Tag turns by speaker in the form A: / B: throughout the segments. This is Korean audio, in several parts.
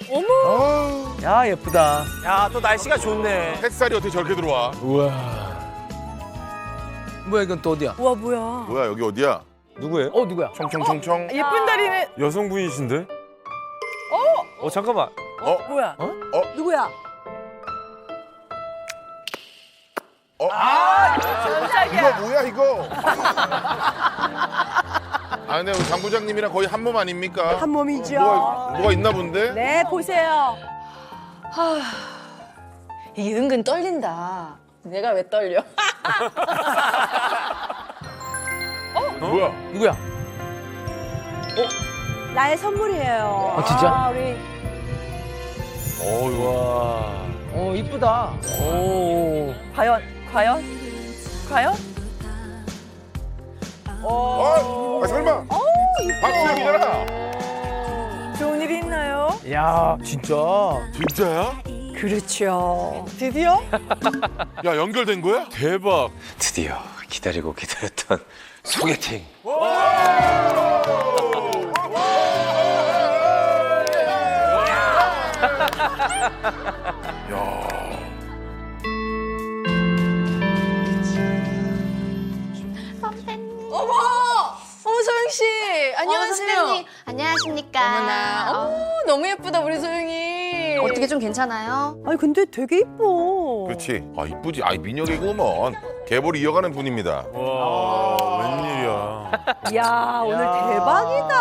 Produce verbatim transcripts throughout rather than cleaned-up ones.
A: 어머.
B: 야, 예쁘다.
C: 야, 또 날씨가 좋네.
D: 햇살이 어떻게 저렇게 들어와?
B: 우와. 뭐야, 이건 또 어디야?
A: 우와 뭐야.
D: 뭐야 여기 어디야?
B: 누구예요? 어, 누구야?
D: 총총총총.
A: 예쁜 다리네.
E: 여성분이신데? 어? 어 잠깐만.
D: 어?
A: 뭐야?
D: 어?
A: 누구야?
D: 어?
A: 깜짝이야.
D: 이거 뭐야 이거? 아 근데 우리 장 부장님이랑 거의 한 몸 아닙니까?
A: 한 몸이죠.
D: 뭐가, 뭐가 있나 본데?
A: 네 보세요.
F: 이게 은근 떨린다. 내가 왜 떨려?
D: 뭐야?
B: 누구야?
A: 나의 선물이에요.
B: 아, 진짜?
A: 아, 우리
D: 어유.
B: 와. 어, 이쁘다. 오.
A: 과연 과연 과연?
D: 어? 아, 설마? 박수영이잖아.
A: 좋은 일이 있나요?
B: 야, 진짜.
D: 진짜야?
A: 그렇죠. 드디어?
D: 야 연결된 거야?
E: 대박.
C: 드디어 기다리고 기다렸던 소개팅.
F: 어머! 어머 소영 씨, 안녕하세요.
G: 선생님, 안녕하십니까.
F: 어머나, 어머 너무 예쁘다 우리 소영이.
G: 어떻게 좀 괜찮아요?
A: 아니 근데 되게 이뻐.
D: 그렇지. 아 이쁘지. 아 민혁이구먼. 계보를 이어가는 분입니다.
E: 와 웬일이야.
A: 이야 오늘 대박이다.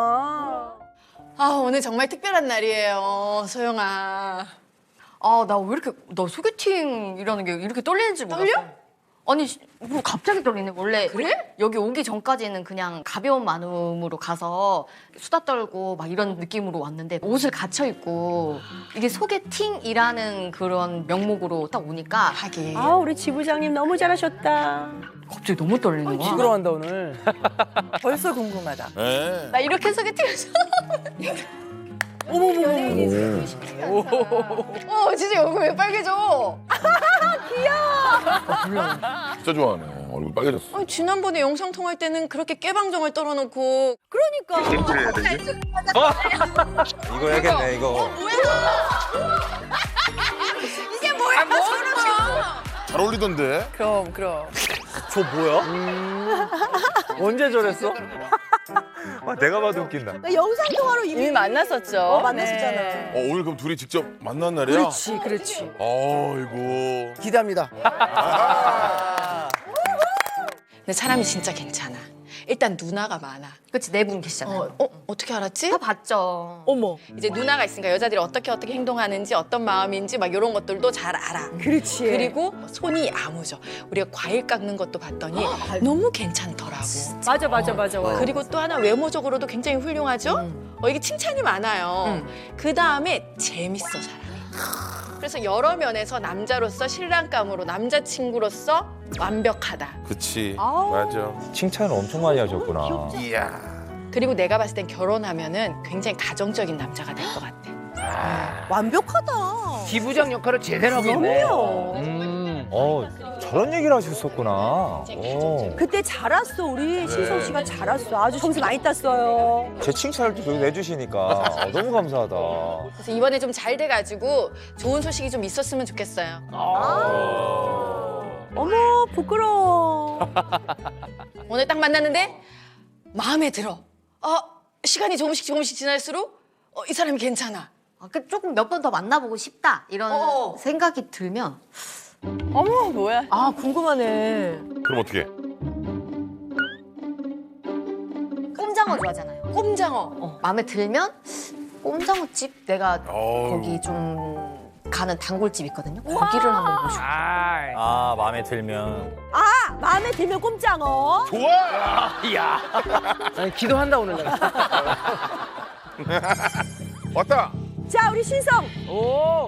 F: 아 오늘 정말 특별한 날이에요, 소영아.
G: 아, 나 왜 이렇게, 나 소개팅이라는 게 이렇게 떨리는지 몰랐어.
F: 떨려?
G: 아니, 시- 뭐 갑자기 떨리네. 원래
F: 그래?
G: 여기 오기 전까지는 그냥 가벼운 마음으로 가서 수다 떨고 막 이런 느낌으로 왔는데 옷을 갖춰 입고 이게 소개팅이라는 그런 명목으로 딱 오니까
F: 하긴.
A: 아 우리 지부장님 너무 잘하셨다.
G: 갑자기 너무 떨리는 거야.
B: 시끄러워한다, 오늘.
A: 벌써 궁금하다.
D: 네.
F: 나 이렇게 소개팅을 어 진짜 여기 왜 빨개져?
D: 진짜 좋아하네. 얼굴 빨개졌어.
F: 아니, 지난번에 영상 통화할 때는 그렇게 깨방정을 떨어놓고
A: 그러니까.
C: 이거 해야겠네 이거.
F: 이게 뭐야?
D: 잘 어울리던데.
A: 그럼 그럼.
E: 저 뭐야? 언제 저랬어? 아, 내가 봐도 웃긴다.
A: 영상 통화로 이미,
F: 이미 만났었죠.
A: 어, 만났었잖아.
D: 어, 오늘 그럼 둘이 직접 만난 날이야?
A: 그렇지 그렇지.
D: 아이고.
B: 기대합니다.
F: 근데 사람이 진짜 괜찮아. 일단 누나가 많아.
G: 그치, 네 분 계시잖아요.
F: 어, 어 어떻게 알았지?
G: 다 봤죠.
A: 어머.
F: 이제 누나가 있으니까 여자들이 어떻게 어떻게 행동하는지 어떤 마음인지 막 이런 것들도 잘 알아.
A: 그렇지.
F: 그리고 손이 야무져. 우리가 과일 깎는 것도 봤더니 너무 괜찮더라고.
A: 맞아 맞아 맞아. 맞아.
F: 그리고 또 하나 외모적으로도 굉장히 훌륭하죠? 어, 이게 칭찬이 많아요. 그 다음에 재밌어, 사람이. 그래서 여러 면에서 남자로서 신랑감으로 남자친구로서 완벽하다.
D: 그치.
A: 아우.
D: 맞아.
E: 칭찬을 엄청 많이 하셨구나.
D: 이야.
F: 그리고 내가 봤을 땐 결혼하면은 굉장히 가정적인 남자가 될 것 같아.
A: 완벽하다.
B: 지부장 역할을 제대로 하고 있네.
A: 그럼요.
B: 음.
E: 어 저런 얘기를 하셨었구나. 어.
A: 그때 잘 왔어 우리 신성 씨가 잘 왔어. 아주 점수 많이 땄어요.
E: 제 칭찬을 또 내주시니까 어, 너무 감사하다.
F: 그래서 이번에 좀 잘 돼가지고 좋은 소식이 좀 있었으면 좋겠어요.
A: 어머 부끄러워.
F: 오늘 딱 만났는데 마음에 들어. 어, 시간이 조금씩 조금씩 지날수록 어, 이 사람이 괜찮아.
G: 아, 그 조금 몇 번 더 만나보고 싶다 이런
F: 어.
G: 생각이 들면
A: 어머 뭐야? 아 궁금하네.
D: 그럼 어떻게?
G: 꼼장어 좋아하잖아요.
F: 꼼장어.
G: 어, 마음에 들면 꼼장어집 내가
D: 어우.
G: 거기 좀 가는 단골집 있거든요. 거기를 한번 보고 싶어요.
B: 아이.
C: 아 마음에 들면.
A: 아 마음에 들면 꼼장어.
D: 좋아!
B: 이야. 아니, 기도한다, 오늘 내가.
D: 왔다!
A: 자 우리 신성.
B: 오.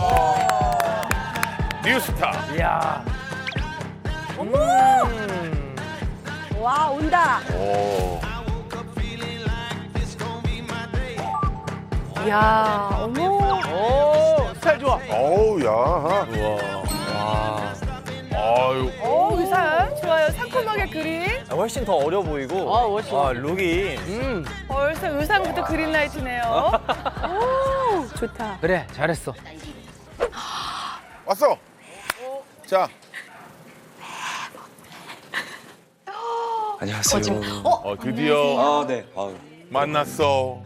D: 뉴스타.
B: 이야.
A: 어머. 와 온다.
D: 오.
A: 야 어머.
B: 오, 스타일 좋아.
D: 어우, 야.
E: 우와. 와.
D: 아유.
A: 오 의상 좋아요. 상큼하게 그린.
C: 아, 훨씬 더 어려 보이고.
B: 아, 훨씬.
C: 아 룩이.
B: 음.
A: 벌써 의상부터 그린라이트네요. 오. 좋다.
B: 그래, 잘했어.
D: 왔어. 자,
C: 안녕하세요.
D: 어, 드디어
C: 아, 네. 아,
D: 만났어.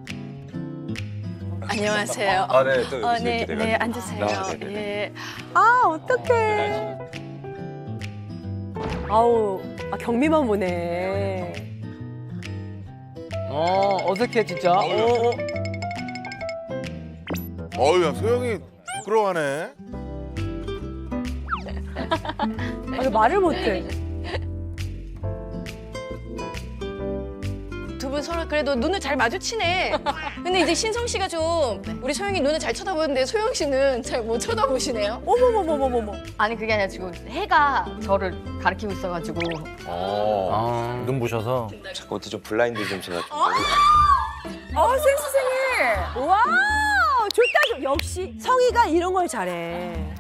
F: 안녕하세요.
C: 아, 네. 또
F: 어,
C: 이렇게
F: 네,
C: 돼가지고.
F: 네, 앉으세요.
C: 아, 네, 네.
F: 예.
A: 아, 어떡해. 아우, 아, 경미만 보네.
B: 어, 어색해, 진짜. 어, 어.
D: 어우, 야, 소영이 부끄러워하네.
A: 아, 왜 말을 못해.
F: 두 분 서로 그래도 눈을 잘 마주치네. 근데 이제 신성 씨가 좀 우리 소영이 눈을 잘 쳐다보는데 소영 씨는 잘 못 쳐다보시네요.
A: 어머머머머머머.
G: 아니 그게 아니라 지금 해가 저를 가리키고 있어가지고
D: 어.
B: 아.
C: 눈부셔서. 자꾸 어떻게 좀 블라인드 좀 제가 좀.
A: 어, 센스쟁이. 와, 좋다, 좋 역시 성희가 이런 걸 잘해.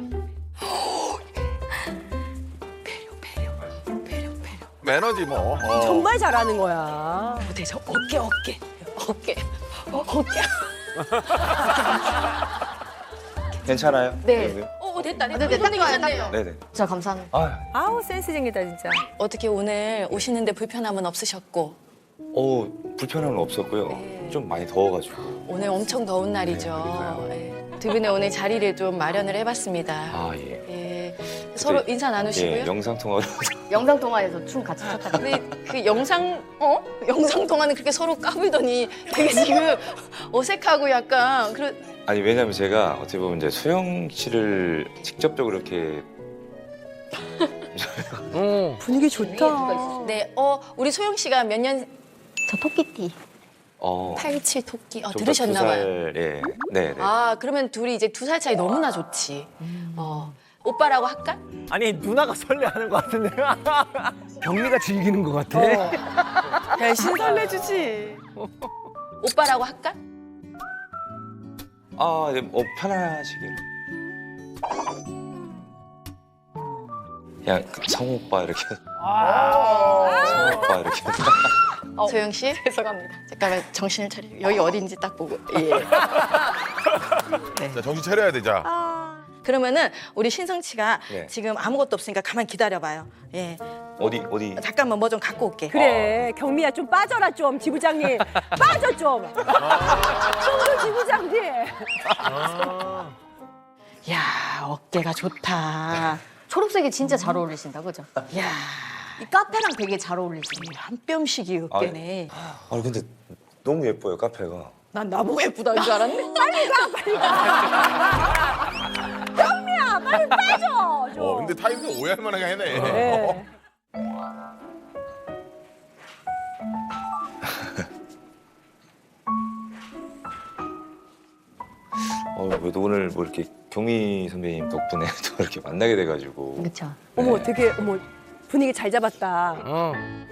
D: 매너지 뭐. 어.
A: 정말 잘하는 거야.
F: 어때 저 어깨 어깨 어깨 어, 어깨.
C: 괜찮아요?
G: 네.
C: 네.
F: 어 됐다 됐다.
G: 네, 네, 딱
F: 손이
G: 봐요,
F: 괜찮네요.
G: 딱
C: 네, 네.
G: 진짜 감사합니다.
C: 아,
A: 아우, 센스쟁이다, 진짜.
F: 어떻게 오늘 오시는데 불편함은 없으셨고
C: 어, 불편함은 없었고요.
F: 네.
C: 좀 많이 더워가지고.
F: 오늘 엄청 더운 날이죠.
C: 그러니까요.
F: 예. 두 분의 오늘 자리를 좀 마련을 해봤습니다.
C: 아, 예.
F: 예. 서로 인사 나누시고요.
C: 예, 영상 통화로.
G: 영상 통화에서 춤 같이 췄다가
F: 근데 그 영상 어 영상 동안은 그렇게 서로 까불더니 되게 지금 어색하고 약간 그런
C: 아니, 왜냐면 제가 어떻게 보면 이제 소영 씨를 직접적으로 이렇게.
B: 어.
A: 분위기 좋다.
F: 네, 어 우리 소영 씨가 몇 년
G: 저 토끼띠.
C: 어.
F: 팔칠 토끼 어
C: 좀더
F: 들으셨나
C: 두
F: 봐요.
C: 살, 예. 네, 네.
F: 아 그러면 둘이 이제 두 살 차이 너무나 좋지. 어 오빠라고 할까?
E: 아니 누나가 설레하는 것 같은데.
B: 경미가 즐기는 것 같아.
A: 어. 대신 설레주지.
F: 오빠라고 할까?
C: 아, 네, 어, 편하시길. 그냥 그 성우 오빠 이렇게. 성우 오빠 이렇게.
F: 어, 소영 씨
G: 죄송합니다.
F: 잠깐만 정신을 차리고 여기 어딘지 딱 보고. 예.
D: 자, 정신 차려야 돼, 자.
A: 아,
F: 그러면은 우리 신성치가
C: 네.
F: 지금 아무것도 없으니까 가만 기다려봐요. 예.
C: 어디 어디.
F: 잠깐만 뭐 좀 갖고 올게.
A: 그래, 경미야 좀 빠져라 좀, 지부장님. 빠져 좀. 청도 지부장님.
F: 야 어깨가 좋다.
G: 초록색이 진짜 잘 어울리신다, 그죠?
F: 야.
G: 이 카페랑 되게 잘 어울리시네요.
F: 한 뼘씩이 어깨네.
C: 아, 근데 너무 예뻐요, 카페가.
F: 난 나보고 예쁘다는 줄 알았네.
A: 빨리 가, 빨리 가. 경미야, 빨리 빠져. 좀.
D: 어, 근데 타임도 오해할 만하게 하네.
A: 네.
C: 어, 그래도 오늘 뭐 이렇게 경미 선배님 덕분에 또 이렇게 만나게 돼가지고.
G: 그렇죠.
A: 어머, 되게, 어머, 분위기 잘 잡았다.
B: 어.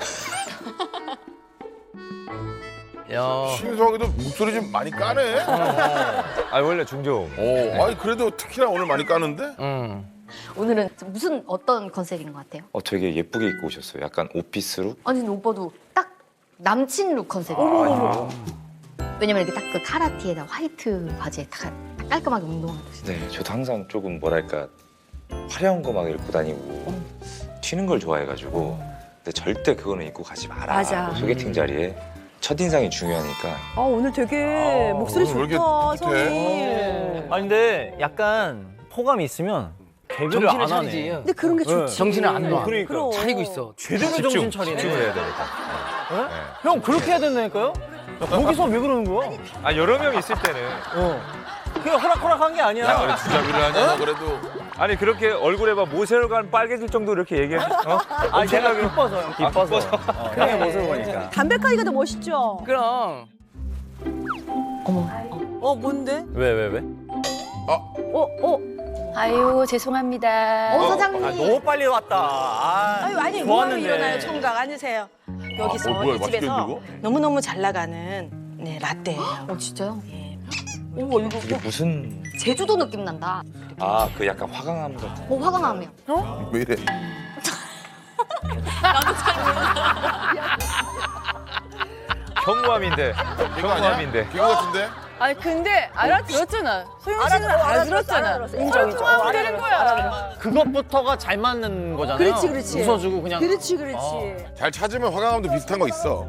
B: 야.
D: 신성이도 목소리 좀 많이 까네.
E: 아 원래 중종.
D: 어, 아니 그래도 특히나 오늘 많이 까는데?
B: 응.
G: 오늘은 무슨 어떤 컨셉인 것 같아요?
C: 어, 되게 예쁘게 입고 오셨어요. 약간 오피스룩.
G: 아니 근데 오빠도 딱 남친 룩 컨셉이에요. 왜냐면 이렇게 딱 그 카라티에다 화이트 바지에 딱 깔끔하게 운동하듯이.
C: 네, 저도 항상 조금 뭐랄까 화려한 거 막 입고 다니고 튀는 걸 좋아해가지고. 근데 절대 그거는 입고 가지 마라.
A: 맞아.
C: 소개팅 자리에 첫 인상이 중요하니까.
A: 아, 오늘 되게
E: 아,
A: 목소리
D: 오늘 왜 이렇게
A: 좋다,
D: 풋해?
A: 성희.
E: 아 근데 약간 호감이 있으면 개그를
B: 정신을
E: 안
B: 차리지.
E: 하네.
A: 근데 그런 게
E: 네.
A: 좋지.
B: 정신을 안 놔.
E: 그러니까.
A: 그럼.
B: 차리고 있어.
E: 제대로 정신 차리네.
D: 집중을 해야 되니까.
E: 네? 형 그렇게 해야 된다니까요? 여기서 왜 그러는 거야?
H: 아 여러 명 있을 때는
E: 어. 그냥 호락호락한 게 아니야.
D: 야, 그래 주자비를 하냐, 너 그래도.
H: 아니 그렇게 얼굴에 막 모세혈관 빨개질 정도로 이렇게 얘기해. 어?
E: 아 제가 기뻐서 형 기뻐서. 어, 형의 모습을 보니까.
A: 담백하기가 더 멋있죠?
B: 그럼.
G: 어머.
A: 어, 뭔데?
E: 왜 왜 왜?
A: 어, 어.
F: 아유 죄송합니다.
G: 어 사장님.
E: 아 너무 빨리 왔다. 아,
F: 아유 아니 뭐하러
E: 좋았는데.
F: 일어나요 총각 앉으세요. 여기서
D: 어, 뭐야,
F: 이
D: 맛있게
F: 집에서
D: 드리고?
F: 너무 너무 잘 나가는 네 라떼예요.
G: 어 진짜요?
F: 예.
G: 오 이거
C: 이게 무슨.
G: 제주도 느낌 난다.
C: 아, 그 약간 화강암 같은.
G: 어 화가 나네요.
D: 왜 이래?
H: 경무함인데.
D: 이거 아니야?
H: 경무함인데.
D: 기구 같은데?
F: 아니 근데 알아들었잖아. 소영 씨는
A: 알아들어,
F: 알아들었잖아.
A: 알아들었어. 인정, 인정.
F: 통하면
A: 어,
F: 되는
A: 알아들었어,
F: 거야.
A: 알아들었어.
E: 그것부터가 잘 맞는 거잖아요.
A: 그렇지, 그렇지.
E: 웃어주고 그냥.
A: 그렇지, 그렇지.
D: 잘 찾으면 화강암도 비슷한 거 있어.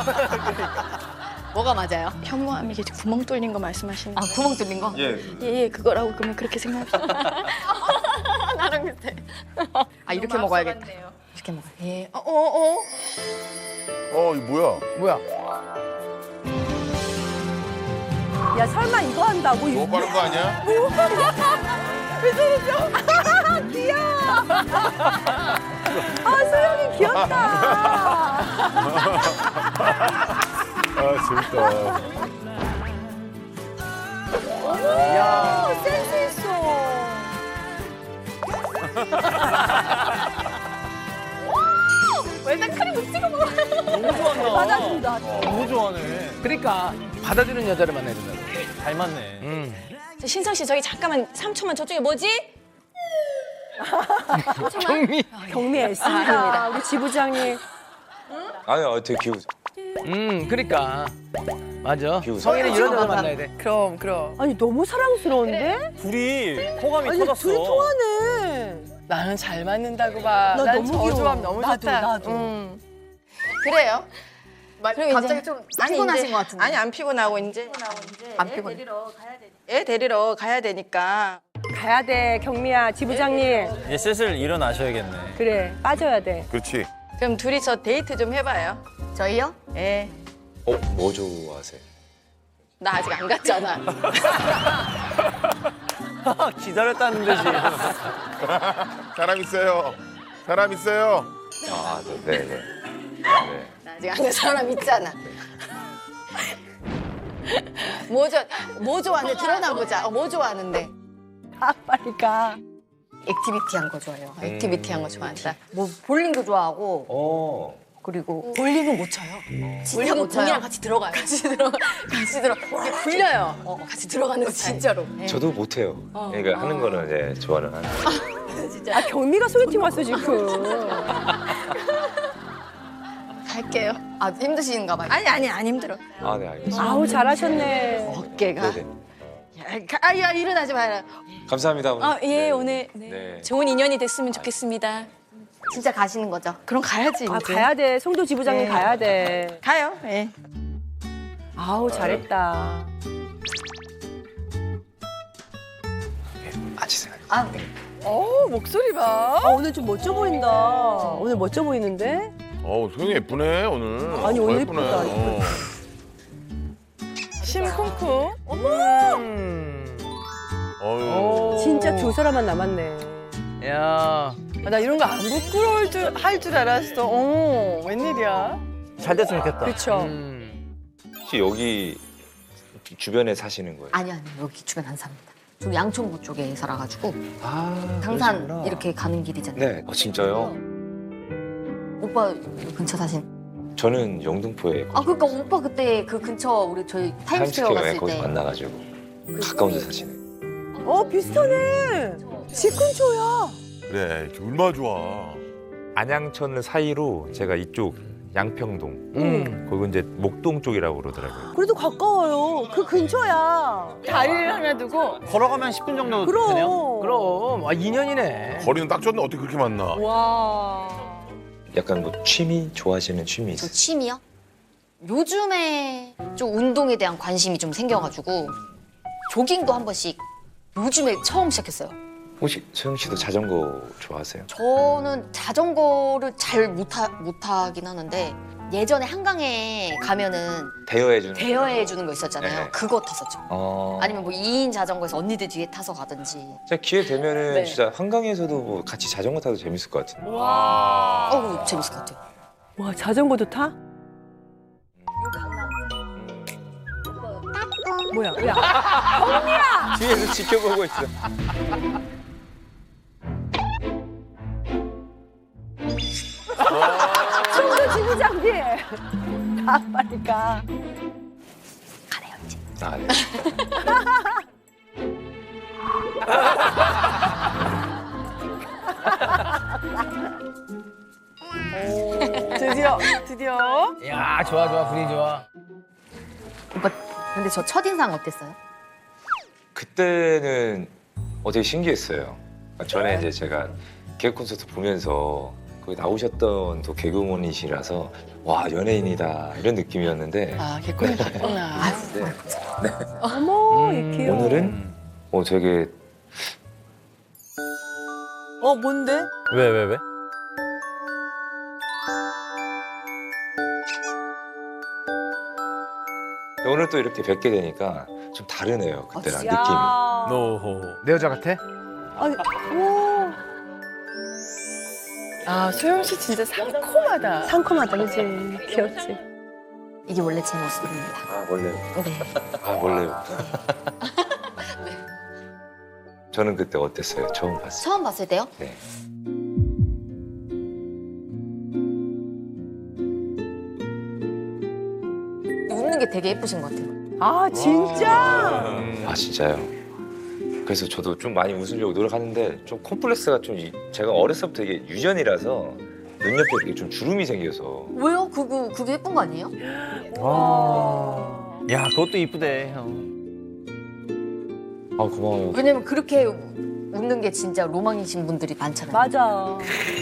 G: 뭐가 맞아요?
F: 현무암 이게 구멍 뚫린 거 말씀하시는
G: 아
F: 거?
G: 구멍 뚫린 거?
C: 예.
F: 예예 그거라고 그러면 그렇게 생각합시다.
G: 나랑 비슷해. 아 이렇게 먹어야겠다. 이렇게 먹어.
F: 예. 어, 어, 어.
D: 어, 이거 뭐야?
B: 뭐야?
A: 야, 설마 이거 한다고?
D: 너무
A: 이거
D: 빠른 거 아니야?
A: 귀여워. 아, 소영이 귀엽다.
D: 아, 재밌다.
A: 야, 센스 있어.
G: 일단 크림 찍어 먹어.
E: 너무 좋아한다.
A: 받아준다.
E: 너무 좋아하네.
B: 그러니까 받아주는 여자를 만나야 된다.
E: 잘 맞네.
B: 음.
F: 저 신성 씨 저기 잠깐만 삼 초만 저쪽에 뭐지?
B: 경미.
A: 경미 애씁니다. 우리 지부장님.
C: 아니, 어, 되게 기우.
B: 음, 그러니까. 맞아.
C: 비웃어.
B: 성인은 이런 여자 만나야 돼.
F: 그럼 그럼.
A: 아니, 너무 사랑스러운데?
E: 둘이 호감이
A: 아니,
E: 터졌어.
A: 둘이 통하네.
F: 나는 잘 맞는다고 봐.
A: 나
F: 난
A: 너무
F: 저
A: 귀여워.
F: 조합 너무
A: 나도,
F: 좋다.
A: 나도.
F: 음. 그래요. 그럼
G: 갑자기
F: 이제-
G: 좀
F: 아니,
G: 피곤하신
F: 이제-
G: 것 같은데.
F: 아니 안 피곤하고 이제
G: 안 피곤해.
F: 애 데리러 가야 되니까.
A: 가야 돼, 경미야, 지부장님.
E: 이제 슬슬 일어나셔야겠네.
A: 그래, 빠져야 돼.
D: 그렇지.
F: 그럼 둘이서 데이트 좀 해봐요.
G: 저희요?
F: 예.
C: 어, 뭐 좋아하세요?
F: 나 아직 안 갔잖아.
E: 기다렸다는 듯이.
D: 사람 있어요. 사람 있어요.
C: 아, 네, 네. 네. 네.
F: 나 아직 안 간 사람 있잖아. 뭐 좋아, 뭐 좋아하는데 드러나 보자. 어, 뭐 좋아하는데?
A: 아, 빨리 가.
G: 액티비티한 거 좋아해요.
F: 액티비티한 거 좋아한다.
G: 뭐 볼링도 좋아하고
C: 어.
G: 그리고
F: 볼링은 못 쳐요.
G: 진짜
F: 볼링은
G: 못 쳐요.
F: 공이랑 같이 들어가요. 같이 들어, 같이 들어. 이게 굴려요. 어, 같이 들어가는 스타일.
G: 진짜로.
F: 예.
C: 저도 못해요. 그러니까 하는 거는 이제 좋아는 하는데.
A: 아, 경미가 소개팅 왔어, 지금.
F: 갈게요.
G: 아 힘드신가 봐요.
F: 아니 아니 안 힘들어.
C: 아, 네, 알겠습니다.
A: 아우, 잘하셨네.
F: 어깨가.
C: 네네.
F: 야, 가- 아, 야 일어나지 마라.
C: 감사합니다. 오늘.
F: 아, 예,
C: 네.
F: 오늘 네.
C: 네.
F: 좋은 인연이 됐으면 좋겠습니다.
G: 진짜 가시는 거죠?
F: 그럼 가야지.
A: 아,
F: 이제.
A: 가야 돼. 송도 지부장님
F: 네.
A: 가야 돼.
F: 가요. 예.
A: 아우, 잘했다.
C: 아치 생각.
G: 아 네.
F: 어 목소리 봐.
A: 아, 오늘 좀 멋져 보인다. 오늘 멋져 보이는데?
D: 어우, 소영이 예쁘네, 오늘.
A: 아니,
D: 어,
A: 오늘
D: 예쁘네.
A: 예쁘다,
D: 어.
F: 심쿵쿵.
B: 음.
D: 어휴.
A: 진짜 두 사람만 남았네.
B: 야.
F: 아, 나 이런 거 안 부끄러울 줄 할 줄 알았어. 어 웬일이야?
E: 잘 됐으면 좋겠다.
A: 그쵸?
B: 음.
C: 혹시 여기 주변에 사시는 거예요?
G: 아니 아니 여기 주변 안 삽니다. 저 양천구 쪽에 살아가지고
C: 아,
G: 당산
C: 그러시구나.
G: 이렇게 가는 길이잖아요.
C: 네. 어, 진짜요?
G: 오빠 근처 사신.
C: 저는 영등포에
G: 아 그러니까 오빠 그때 그 근처 우리 저희 타임스퀘어
C: 타임스퀘어에
G: 갔을
C: 거기서
G: 때.
C: 만나가지고 가까운 데 사시네.
A: 어, 비슷하네. 집 근처야.
D: 그래, 얼마나 좋아.
H: 안양천 사이로 제가 이쪽 양평동.
B: 음.
H: 거기 이제 목동 쪽이라고 그러더라고요.
A: 그래도 가까워요. 그 근처야.
F: 다리를 하나 두고.
E: 걸어가면 십 분 정도 되네요.
A: 그럼.
B: 그럼. 아, 인연이네.
D: 거리는 딱 좋네. 어떻게 그렇게 만나?
A: 와.
C: 약간 뭐 취미 좋아하시는 취미
G: 저
C: 있어요?
G: 취미요? 요즘에 좀 운동에 대한 관심이 좀 생겨가지고 조깅도 한 번씩 요즘에 처음 시작했어요.
C: 혹시 소영 씨도 자전거 좋아하세요?
G: 저는 자전거를 잘 못하, 못하긴 하는데 예전에 한강에 가면은
C: 대여해주는.
G: 대여해 주는 거 있었잖아요.
C: 네.
G: 그거 탔었죠.
C: 어.
G: 아니면 뭐 이 인 자전거에서 언니들 뒤에 타서 가든지.
C: 진짜 기회 되면은
G: 네.
C: 진짜 한강에서도 뭐 같이 자전거 타도 재밌을 것 같은데.
D: 와.
G: 어우 재밌을 것 같아요.
A: 와, 자전거도 타? 뭐야? 야,
H: 뒤에서 지켜보고 있어.
A: 송도 지부장님. 가, 빨리 가.
G: 가네요 이제.
C: 아, 네.
F: 드디어 드디어.
B: 야, 좋아, 좋아. 분위기 좋아.
G: 근데 저 첫인상 어땠어요?
C: 그때는 어 되게 신기했어요. 전에 이제 제가 개그 콘서트 보면서 거기 나오셨던 또 개그우먼이시라서 와 연예인이다 이런 느낌이었는데
F: 아, 개콘이 봤구나.
C: 네.
A: 어머,
B: 음.
A: 이렇게요.
C: 오늘은 어 되게
A: 어, 뭔데?
B: 왜, 왜, 왜?
C: 오늘 또 이렇게 뵙게 되니까 좀 다르네요. 그때랑 느낌이.
A: 야.
B: 노호. 내 여자 같아?
A: 아니, 오.
F: 아, 소영 씨 진짜 상콤하다.
A: 상큼하다, 그지? 귀엽지?
G: 이게 원래 제 모습입니다.
C: 아 원래요.
G: 네.
C: 아 원래요. 저는 그때 어땠어요? 처음 봤어요.
G: 처음 봤을 때요?
C: 네.
G: 웃는 게 되게 예쁘신 것 같아요.
A: 아, 진짜?
C: 아 진짜요? 그래서 저도 좀 많이 웃으려고 노력하는데 좀 콤플렉스가 좀 이- 제가 어렸을 때부터 이게 유전이라서 눈옆에 이렇게 좀 주름이 생겨서
G: 왜요? 그거 그게 예쁜 거 아니에요?
B: 와. 야, 그것도 이쁘대, 형.
C: 아 고마워요.
G: 왜냐면 그렇게 웃는 게 진짜 로망이신 분들이 많잖아요.
A: 맞아.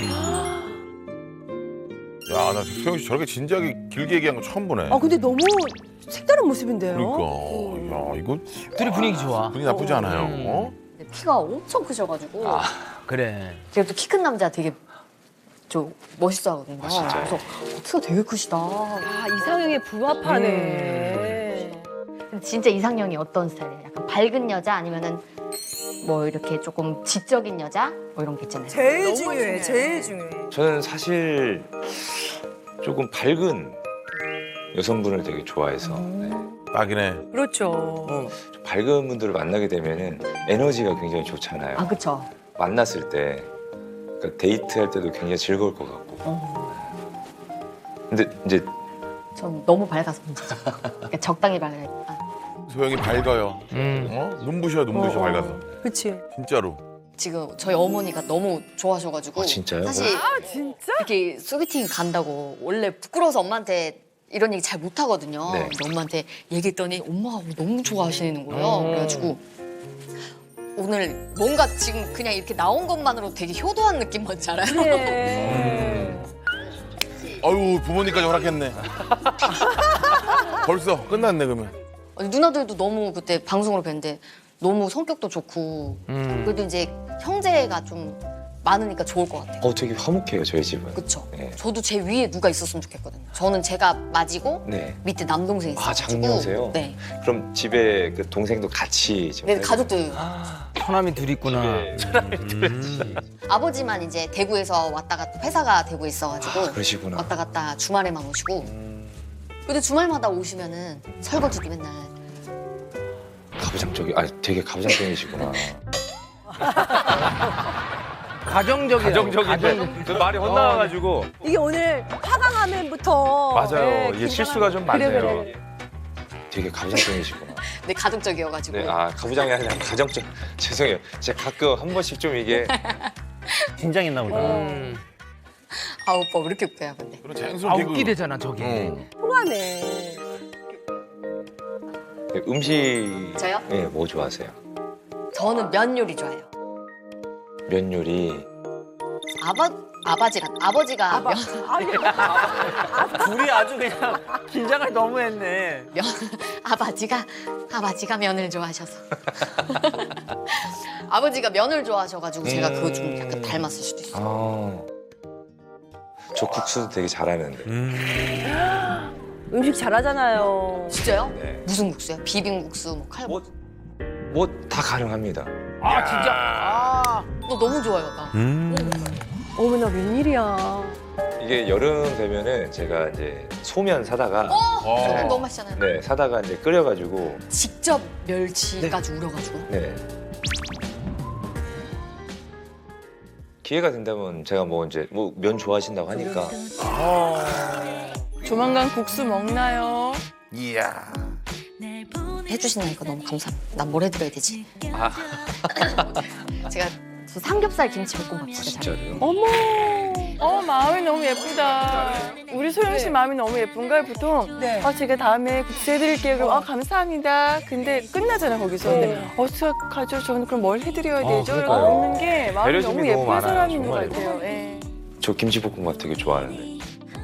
D: 야, 나 소영 씨 저렇게 진지하게 길게 얘기한 거 처음 보네.
A: 아, 근데 너무 색다른 모습인데요?
D: 그러니까. 야, 이거
B: 둘이 분위기 좋아.
D: 분위기 나쁘지 않아요.
B: 음.
D: 어?
G: 근데 키가 엄청 크셔가지고
C: 아
B: 그래.
G: 제가 또 키 큰 남자 되게 좀 멋있어 하거든요.
C: 아, 진짜요?
G: 그래서 어, 키가 되게 크시다.
A: 아, 이상형에 부합하네.
G: 근데 진짜 이상형이 어떤 스타일이에요? 약간 밝은 여자 아니면은 뭐 이렇게 조금 지적인 여자? 뭐 이런 게 있잖아요.
A: 제일 중요해, 제일 중요해.
C: 저는 사실 조금 밝은 여성분을 되게 좋아해서 네.
D: 딱이네.
A: 그렇죠.
C: 좀 밝은 분들을 만나게 되면은 에너지가 굉장히 좋잖아요.
G: 아 그쵸.
C: 만났을 때 그러니까 데이트할 때도 굉장히 즐거울 것 같고.
G: 어,
C: 근데 이제
G: 전 너무 밝아서 문제죠. 그러니까 적당히 밝아요.
D: 소영이 밝아요.
B: 음.
D: 어? 눈부셔, 눈부셔
A: 어, 어.
D: 밝아서.
A: 그치?
D: 진짜로.
G: 지금 저희 어머니가 너무 좋아하셔가지고
C: 아, 진짜요?
G: 사실
A: 아, 진짜?
G: 이렇게 소개팅 간다고 원래 부끄러워서 엄마한테 이런 얘기 잘 못하거든요.
C: 네.
G: 근데 엄마한테 얘기했더니 엄마가 너무 좋아하시는 거예요.
B: 음.
G: 그래가지고 오늘 뭔가 지금 그냥 이렇게 나온 것만으로 되게 효도한 느낌 뭔지 알아요?
A: 그래.
D: 아유, 부모님까지 허락했네. 벌써 끝났네, 그러면.
G: 아니, 누나들도 너무 그때 방송으로 뵀는데 너무 성격도 좋고
B: 음.
G: 그래도 이제 형제가 좀 많으니까 좋을 것 같아요.
C: 어 되게 화목해요 저희 집은.
G: 그쵸?
C: 네.
G: 저도 제 위에 누가 있었으면 좋겠거든요. 저는 제가 맞이고
C: 네.
G: 밑에 남동생이
C: 아,
G: 있어가지고
C: 장녀세요?
G: 네.
C: 그럼 집에 그 동생도 같이 지금
G: 네,
C: 살고
G: 가족들.
B: 처남이 둘 있구나.
C: 네.
G: 아버지만 이제 대구에서 왔다 갔다 회사가 대구에 있어가지고
C: 아, 그러시구나.
G: 왔다 갔다 주말에만 오시고 근데 주말마다 오시면은 설거지도 맨날
C: 가부장적이 아 되게 가부장적이시구나.
B: 가정적이야.
H: 가정적인데 그 말이 헛나와가지고
A: 이게 오늘 화강하면부터.
H: 맞아요.
A: 네,
H: 이게
A: 긴장한-
H: 실수가 좀
A: 그래,
H: 많네요.
A: 그래.
C: 되게 가부장적이시구나.
G: 네, 가정적이어가지고
C: 네, 아 가부장이 아니라 가정적. 죄송해요. 제가 가끔 한 번씩 좀 이게
B: 긴장했나 보다. 음.
G: 아 오빠 왜 이렇게 웃겨요 근데
D: 그런 자연스러운
B: 아,
D: 개그.
B: 웃기대잖아, 저기.
D: 응.
A: 통하네.
C: 음식.
G: 저요?
C: 네, 뭐 좋아하세요?
G: 저는 면 요리 좋아해요.
C: 면 요리.
G: 아바 아바지랑 아버지가
A: 아바.
G: 면,
A: 아니,
B: 둘이 아주 그냥 긴장을 너무 했네.
G: 면 아바지가 아바지가 면을 좋아하셔서 아버지가 면을 좋아하셔가지고 제가 그거 좀 약간 닮았을 수도 있어요.
C: 아. 저 국수도 되게 잘하는데.
A: 음식 잘하잖아요.
G: 진짜요?
C: 네.
G: 무슨 국수요? 비빔국수, 뭐 칼.
C: 뭐 뭐 다 가능합니다.
B: 아, 진짜. 아.
G: 너 너무 좋아요, 나.
A: 어머나, 웬일이야.
C: 이게 여름 되면은 제가 이제 소면 사다가
G: 어, 소금
D: 어.
G: 너무 맛있잖아요.
C: 네 사다가 이제 끓여가지고
G: 직접 멸치까지 우려가지고.
C: 네 기회가 된다면 제가 뭐 이제 뭐 면 좋아하신다고 하니까
F: 조만간 국수 먹나요?
D: 이야.
G: 해주신다니까 너무 감사합니다. 난 뭘 해드려야 되지?
C: 아
G: 제가 저 삼겹살 김치 볶음밥
C: 아,
G: 진짜 잘해요.
C: 진짜로요?
A: 어머.
I: 어 마음이 너무 예쁘다. 우리 소영 씨 마음이 너무 예쁜가요? 보통
A: 네.
I: 아 제가 다음에 구체해드릴게요. 그럼 아 감사합니다. 근데 끝나잖아 거기서. 근데 어떡하죠? 저는 그럼 뭘 해드려야
E: 어,
I: 되죠? 이렇게
E: 그러니까요.
I: 묻는 게 마음이
E: 배려심이
I: 너무
E: 너무
I: 예쁜
E: 많아요,
I: 사람인 것
E: 정말.
I: 같아요. 예.
C: 저 김치볶음밥 되게 좋아하는데.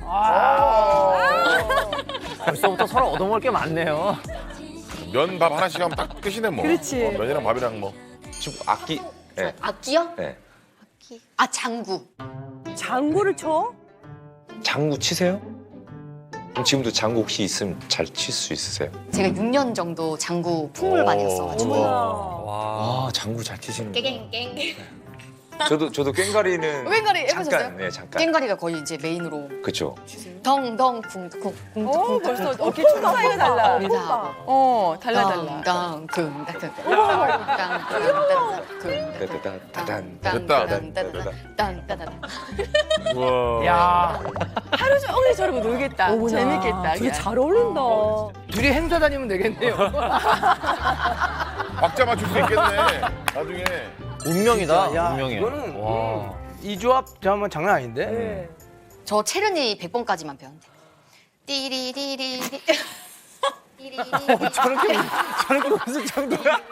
B: 벌써부터 서로 얻어먹을 게 많네요.
D: 면밥 하나씩 하면 딱 끝이네 뭐.
A: 그렇지.
D: 어, 면이랑 밥이랑 뭐.
C: 지금 악기. 네.
G: 악기요?
C: 네.
G: 아 장구.
A: 장구를 쳐?
C: 장구 치세요? 그럼 지금도 장구 혹시 있으면 잘 칠 수 있으세요?
G: 제가 육 년 정도 장구 풍물 많이 했어가지고.
A: 어머나.
C: 와, 장구 잘 치시는 거.
G: 깽깽.
C: 저도 저도 꽹가리는
G: 꽹가리 해보셨어요?
C: 잠깐, 네, 잠깐.
G: 깽가리가 거의 이제 메인으로.
C: 그렇죠.
G: 덩덩 쿵쿵 쿵쿵
I: 어
G: 쿵쿵
I: 벌써
G: 쿵쿵
I: 어깨 춤 사이가 달라.
G: 우리 다 하고.
I: 어 달라 달라.
G: 땅땅 쿵땅 땅땅
C: 따다다다단.
G: 땅땅땅땅땅땅.
H: 우와.
B: 야,
I: 하루 종일 저러고 놀겠다.
A: 어머나.
I: 재밌겠다.
A: 되게 잘 어울린다.
B: 둘이 행사 다니면 되겠네요.
D: 박자 맞출 수 있겠네. 나중에.
B: 운명이다.
J: 야,
B: 운명이에요.
J: 이거는
B: 와.
J: 음, 이 조합 정말 장난 아닌데?
A: 네.
G: 저 체르니 백 번까지만 배웠는데. 띠리리리리. 띠리리리.
J: 저렇게 저렇게 무슨 정도야?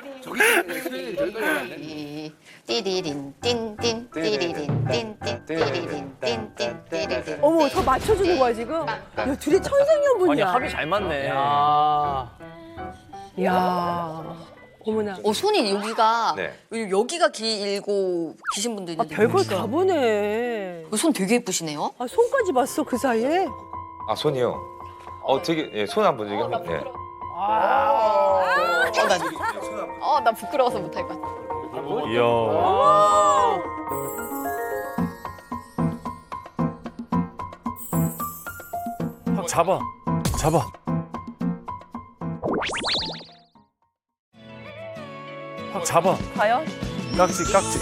G: 띠리린 띵띵 띠리린 띵띵 띠리린 띵띵 띠리린.
A: 어머, 저 맞춰주는 거야, 지금? 야, 둘이
B: 아니
A: 천생연분이야.
B: 합이 잘 맞네.
J: 아,
A: 야 어머나.
G: 어 손이 여기가
C: 네.
G: 여기가 길고 기신 분도
A: 아,
G: 있는데.
A: 별걸 다 보네.
G: 손 되게 예쁘시네요.
A: 아, 손까지 봤어, 그 사이에?
C: 아, 손이요. 어, 되게 예, 손 한번 지금. 예.
G: 어, 나, 어, 나 부끄러워서 못할 것 같아.
H: 이야.
E: 잡아. 잡아. 확 잡아.
I: 과연?
E: 깍지, 깍지.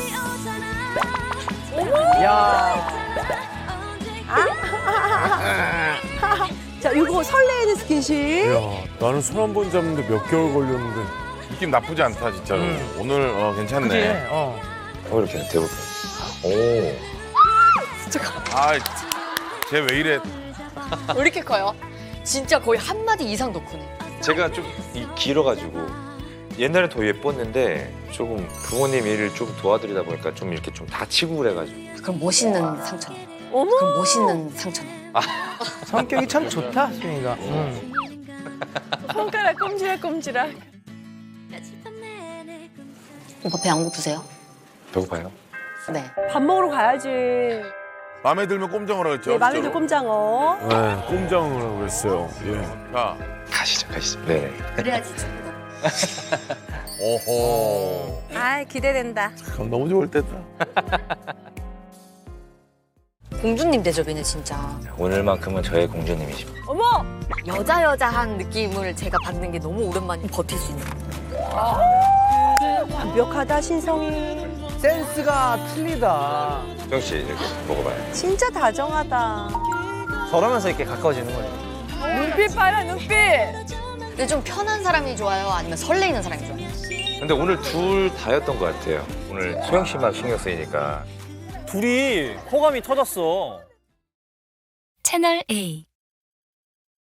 A: 자, 이거 설레이는 스킨십.
E: 야, 나는 손 한 번 잡는데 몇 개월 걸렸는데.
D: 느낌 나쁘지 않다 진짜로. 오늘 어, 괜찮네.
B: 그지? 어.
C: 어, 이렇게 대볼게요. 오.
D: 아, 쟤 왜 이래?
G: 왜 이렇게 커요? 진짜 거의 한 마디 이상 더 크네.
C: 제가 좀 이- 길어가지고 옛날엔 더 예뻤는데 조금 부모님 일을 좀 도와드리다 보니까 좀 이렇게 좀 다치고 그래가지고.
G: 그럼 멋있는 상처네.
A: 어머.
G: 그럼 멋있는 상처네.
J: 성격이 참 좋다, 수영이가. 음.
I: 손가락 꼼지락 꼼지락.
G: 오빠 배 안 고프세요?
C: 배고파요?
G: 네.
A: 밥 먹으러 가야지.
D: 마음에 들면 꼼장어라 그랬죠.
A: 네, 마음에 들
D: 진짜로.
A: 꼼장어.
E: 네, 꼼장어라고 그랬어요. 예.
D: 자,
C: 가시죠, 가시죠. 네네.
G: 그래야지 좀.
D: 오호.
A: 아, 기대된다.
E: 참 너무 좋을 때다.
G: 공주님 대접이네 진짜.
C: 오늘만큼은 저의 공주님이십니다.
A: 어머!
G: 여자 여자한 느낌을 제가 받는 게 너무 오랜만에 버틸 수 있는.
A: 완벽하다, 신성이.
J: 센스가 틀리다.
C: 수영 씨 이렇게 먹어봐요.
A: 진짜 다정하다.
J: 저러면서 이렇게 가까워지는 거예요.
I: 눈빛 봐라 눈빛.
G: 근데 좀 편한 사람이 좋아요? 아니면 설레이는 사람이 좋아요?
C: 근데 오늘 둘 다였던 것 같아요. 오늘 소영 씨만 신경 쓰이니까.
B: 둘이 호감이 터졌어.
K: 채널 A